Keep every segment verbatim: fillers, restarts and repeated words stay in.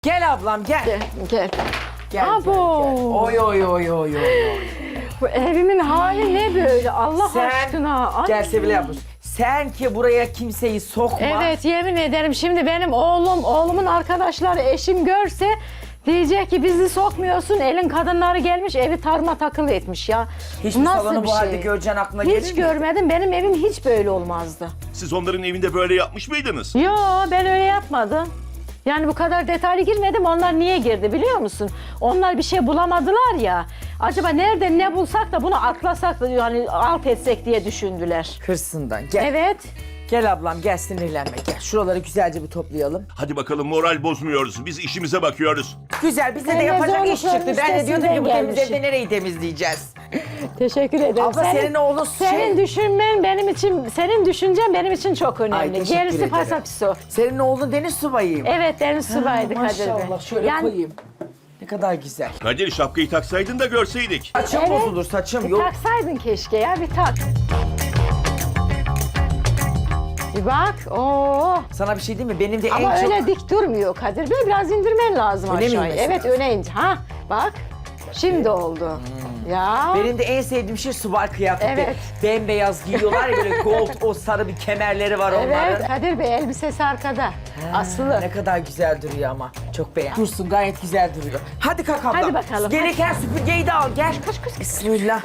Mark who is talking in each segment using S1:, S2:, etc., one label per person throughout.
S1: Gel ablam gel.
S2: Gel, gel.
S1: Gel,
S2: Abo.
S1: gel, gel. Oy oy oy oy oy.
S2: Bu evimin hali ne böyle Allah
S1: Sen
S2: aşkına. Ay.
S1: gel Sevilay abla. Sen ki buraya kimseyi sokma.
S2: Evet yemin ederim şimdi benim oğlum, oğlumun arkadaşları, eşim görse diyecek ki bizi sokmuyorsun, elin kadınları gelmiş evi tarma takıl etmiş ya.
S1: Hiç mi
S2: Nasıl
S1: salonu
S2: bir
S1: bu halde
S2: şey?
S1: göreceğin aklına gelir
S2: Hiç
S1: mi?
S2: görmedim, benim evim hiç böyle olmazdı.
S3: Siz onların evinde böyle yapmış mıydınız?
S2: Yo ben öyle yapmadım. Yani bu kadar detaylı girmedim. Onlar niye girdi biliyor musun? Onlar bir şey bulamadılar ya. Acaba nerede ne bulsak da bunu atlasak da yani alt etsek diye düşündüler.
S1: Hırsından gel.
S2: Evet.
S1: Gel ablam gel sinirlenme gel. Şuraları güzelce bir toplayalım.
S3: Hadi bakalım moral bozmuyoruz. Biz işimize bakıyoruz.
S1: Güzel bize de
S2: Senin
S1: yapacak iş
S2: zorlukların
S1: çıktı. Ben de diyordum ki bu
S2: üstesinden
S1: temiz evde
S2: gelmişim.
S1: nereyi temizleyeceğiz?
S2: Teşekkür ederim.
S1: Abla senin oğlun
S2: Senin
S1: şey-
S2: düşünmen benim için, senin düşüncen benim için çok
S1: Ay,
S2: önemli.
S1: teşekkür
S2: Gerisi
S1: ederim.
S2: pasapiso.
S1: Senin oğlun deniz subayıyım.
S2: Evet deniz subaydı Kadir Bey.
S1: Maşallah şöyle
S2: Yani
S1: koyayım. Ne kadar güzel.
S3: Kadir şapkayı taksaydın da görseydik.
S1: Saçım
S2: Evet.
S1: bozulur saçım
S2: bir
S1: yok.
S2: taksaydın keşke ya bir tak. Bir bak. Oo.
S1: Sana bir şey diyeyim mi? Benim de
S2: Ama
S1: en
S2: öyle
S1: çok...
S2: dik durmuyor Kadir Bey. Biraz indirmen lazım
S1: Öyle mi
S2: aşağıya.
S1: inmesi
S2: Evet
S1: lazım?
S2: öne indir. Ha bak. Şimdi oldu. Ya.
S1: Benim de en sevdiğim şey subay kıyafeti.
S2: Evet.
S1: Bembeyaz giyiyorlar ya böyle gold o sarı bir kemerleri var
S2: Evet
S1: onların.
S2: Kadir Bey elbisesi arkada. Asılı.
S1: Ne kadar güzel duruyor ama. Çok beğendim. Dursun gayet güzel duruyor. Hadi kalk abla.
S2: Hadi bakalım,
S1: Gereken süpürgeyi de al gel.
S2: Koş, koş.
S1: Bismillah.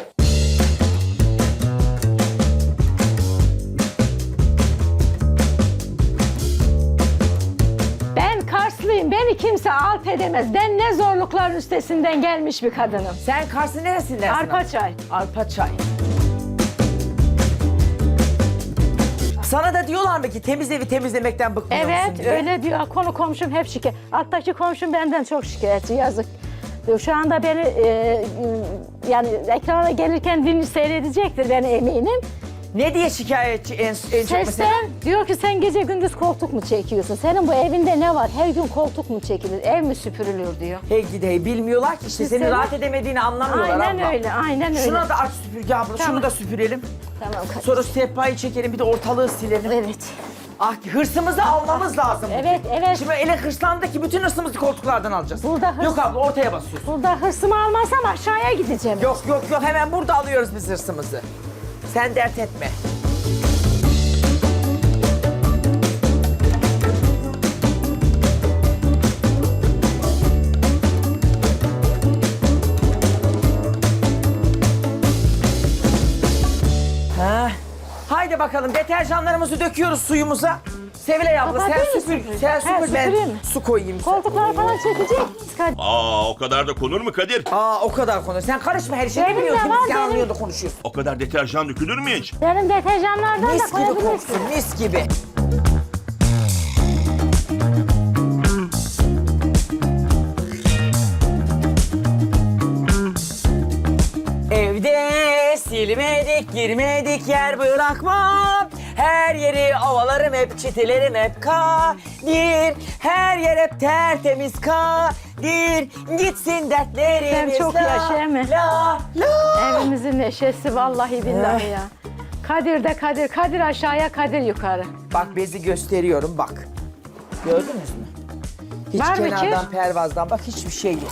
S2: Ben Karslıyım. Beni kimse alt edemez. Ben ne zorlukların üstesinden gelmiş bir kadınım.
S1: Sen Kars'ın neresindensin?
S2: Arpaçay.
S1: Arpaçay. Sana da diyorlar mı ki temiz evi temizlemekten bıkmıyor musun
S2: Evet
S1: diye?
S2: öyle diyor. Konu komşum hep şikayet. Alttaki komşum benden çok şikayetçi. Yazık. Şu anda beni e, e, yani ekrana gelirken dinli seyredecektir ben eminim.
S1: Ne diye şikayetçi en, en çok mesela?
S2: Sesten diyor ki sen gece gündüz koltuk mu çekiyorsun? Senin bu evinde ne var? Her gün koltuk mu çekilir? Ev mi süpürülür diyor.
S1: Hey gidi hey bilmiyorlar ki işte
S2: Biz
S1: senin
S2: seni-
S1: rahat edemediğini anlamıyorlar
S2: Aynen
S1: abla.
S2: öyle, aynen öyle.
S1: Şuna da aç süpürge abla,
S2: Tamam.
S1: şunu da süpürelim.
S2: Tamam Kadir.
S1: Sonra sehpayı çekelim, bir de ortalığı silelim.
S2: Evet.
S1: Ah hırsımızı almamız lazım.
S2: Evet, evet.
S1: Şimdi ele hırslandı ki bütün hırsımızı koltuklardan alacağız.
S2: Burada hırs-
S1: Yok abla ortaya basıyorsun.
S2: Burada hırsımı almazsam aşağıya gideceğim.
S1: Yok yok yok hemen burada alıyoruz biz hırsımızı. Sen dert etme. Ha. Haydi bakalım deterjanlarımızı döküyoruz suyumuza. Sevilay abla sen
S2: Kapatayım mı
S1: süpür,
S2: süpürgeyi?
S1: sen
S2: Ha,
S1: süpür ben
S2: süpüreyim mi?
S1: su koyayım.
S2: Koltukları falan çekecek. Kadir.
S3: Aa o kadar da konur mu Kadir?
S1: Aa o kadar konu. Sen karışma her şeyi
S2: Benim
S1: biliyorsun.
S2: de var,
S1: Biz
S2: benim.
S1: anlıyor da konuşuyorsun.
S3: O kadar deterjan dökülür mü hiç?
S2: Benim deterjanlardan da
S1: Mis gibi
S2: koyabilirsin.
S1: koksun, mis gibi. Evde silmedik, girmedik yer bırakmam. Her yeri ovalarım hep, çitilerim hep kadir. Her yer hep tertemiz kadir. Gitsin dertlerimiz.
S2: Sen çok
S1: la,
S2: yaşa Emi.
S1: La la.
S2: Evimizin neşesi vallahi billahi
S1: Eh.
S2: ya. Kadir de Kadir, Kadir aşağıya, Kadir yukarı.
S1: Bak bezi gösteriyorum bak. Gördünüz mü? Hiç
S2: Var mı
S1: kenardan
S2: kir?
S1: pervazdan bak hiçbir şey yok.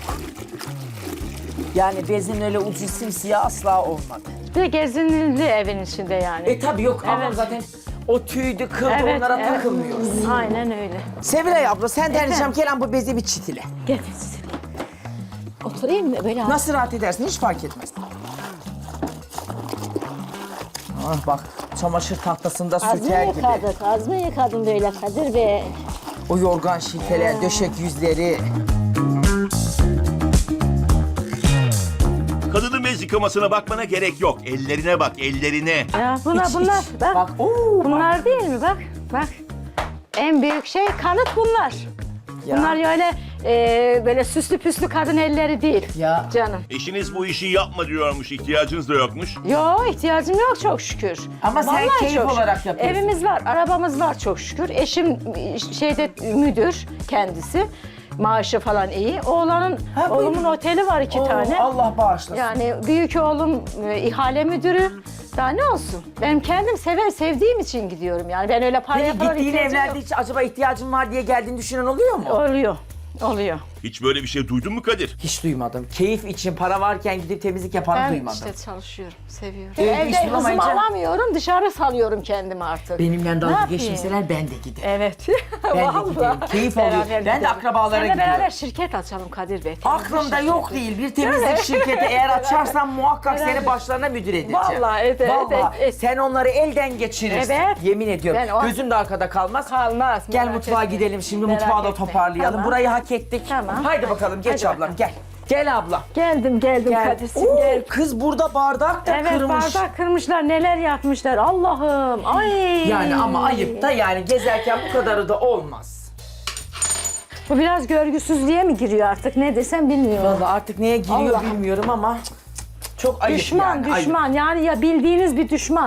S1: Yani bezin öyle ucu simsiyah asla olmadı.
S2: Bir de gezinildi evin içinde yani.
S1: E tabi yok ama
S2: Evet.
S1: zaten o tüydü kıldı onlara
S2: evet.
S1: takılmıyoruz.
S2: Aynen öyle.
S1: Sevilay abla senden
S2: Efendim?
S1: ricam gelen bu bezi bir çitile.
S2: Gel. Oturayım mı böyle?
S1: Nasıl rahat edersin hiç fark etmez. Ah bak çamaşır tahtasında
S2: Az mı
S1: süter gibi.
S2: yıkadık, az mı yıkadın böyle Kadir Bey?
S1: O yorgan şilteler, döşek yüzleri.
S3: Kadının bez yıkamasına bakmana gerek yok. Ellerine bak ellerine.
S2: Ya bunlar,
S1: Hiç,
S2: bunlar,
S1: hiç.
S2: bak.
S1: Bak, oo,
S2: bunlar değil mi? Bak, bak. En büyük şey kanıt bunlar.
S1: Ya.
S2: Bunlar öyle e, böyle süslü püslü kadın elleri değil.
S1: Ya.
S2: Canım.
S3: Eşiniz bu işi yapma diyormuş, ihtiyacınız da yokmuş.
S2: Yok ihtiyacım yok çok şükür.
S1: Ama sen
S2: Vallahi
S1: keyif
S2: çok
S1: olarak
S2: şükür.
S1: yapıyorsun.
S2: Evimiz var, arabamız var çok şükür. Eşim e, şeyde müdür kendisi. Maaşı falan iyi. Oğlanın,
S1: Ha, bu-
S2: oğlumun oteli var iki
S1: Oo,
S2: tane.
S1: Allah bağışlasın.
S2: Yani büyük oğlum e, ihale müdürü. Daha ne olsun? Benim kendim sever, sevdiğim için gidiyorum yani. Ben öyle paraya
S1: Peki
S2: falan
S1: gittiğin
S2: ihtiyacım
S1: evlerde
S2: yok.
S1: hiç acaba ihtiyacın var diye geldiğini düşünen oluyor mu?
S2: Oluyor. Oluyor.
S3: Hiç böyle bir şey duydun mu Kadir?
S1: Hiç duymadım. Keyif için para varken gidip temizlik yapanı
S2: Ben
S1: duymadım.
S2: işte çalışıyorum, seviyorum.
S1: Evde iş
S2: Evde hızımı
S1: bulamayınca-
S2: alamıyorum, dışarı salıyorum kendimi artık.
S1: Benimle
S2: Ne
S1: dalga
S2: yapayım?
S1: geçmeseler ben de giderim.
S2: Evet.
S1: Ben de
S2: Vallahi.
S1: giderim. Keyif alıyorum.
S2: Beraber
S1: Ben de
S2: gidelim.
S1: akrabalara
S2: Seninle
S1: gidiyorum.
S2: beraber şirket açalım Kadir Bey.
S1: Aklımda
S2: Temizlik
S1: yok
S2: şirketi.
S1: değil. Bir temizlik şirketi eğer açarsam muhakkak
S2: Beraber.
S1: seni başlarına müdür edeceğim.
S2: Vallahi, evet, evet,
S1: Vallahi
S2: evet.
S1: sen onları elden geçirirsin.
S2: Evet.
S1: Yemin ediyorum.
S2: Ben o-
S1: Gözüm de arkada kalmaz.
S2: Kalmaz.
S1: Gel
S2: merak
S1: mutfağa
S2: etme.
S1: gidelim şimdi,
S2: Merak
S1: mutfağı da
S2: etme.
S1: toparlayalım.
S2: Tamam.
S1: Burayı hak ettik.
S2: Tamam.
S1: Haydi
S2: Hadi.
S1: bakalım geç
S2: Hadi
S1: ablam
S2: bakalım.
S1: gel. Gel abla.
S2: Geldim geldim
S1: Gel.
S2: Kadir'cim
S1: Oo,
S2: gel.
S1: kız burada bardak da
S2: Evet
S1: kırmış.
S2: bardak kırmışlar, neler yapmışlar Allah'ım. Ay.
S1: Yani ama ayıp da yani gezerken bu kadarı da olmaz.
S2: Bu biraz görgüsüzlüğe mi giriyor artık, ne desem bilmiyorum.
S1: Vallahi artık neye giriyor
S2: Allah'ım.
S1: bilmiyorum ama cık, cık, cık, çok ayıp
S2: Düşman
S1: yani. ayıp.
S2: düşman yani ya bildiğiniz bir düşman.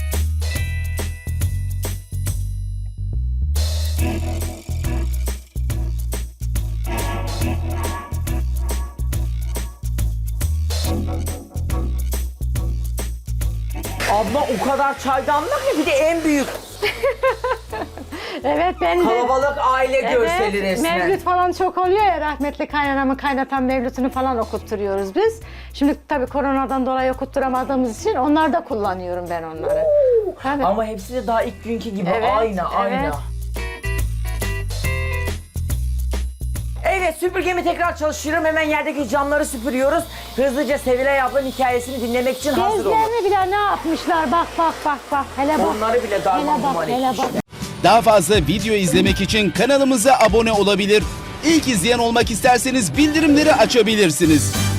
S1: Abla o kadar çaydanlık mı? Bir de en büyük
S2: Evet ben de.
S1: kalabalık aile görseli resmen.
S2: Mevlüt falan çok oluyor ya, rahmetli kaynanamın kaynatan mevlütünü falan okutturuyoruz biz. Şimdi tabii koronadan dolayı okutturamadığımız için onlar da kullanıyorum ben onları. Tabii.
S1: Ama hepsi de daha ilk günkü gibi
S2: Evet,
S1: aynı aynı.
S2: evet.
S1: Evet, süpürgemi tekrar çalıştırıyorum. Hemen yerdeki camları süpürüyoruz. Hızlıca Sevilay ablanın hikayesini dinlemek için hazır olun.
S2: Bezlerini bile ne yapmışlar, bak bak bak bak. Hele bak.
S1: Onları bile darma
S2: Hele bak,
S1: duman
S2: hele
S1: etmişler.
S2: bak.
S4: Daha fazla video izlemek için kanalımıza abone olabilir. İlk izleyen olmak isterseniz bildirimleri açabilirsiniz.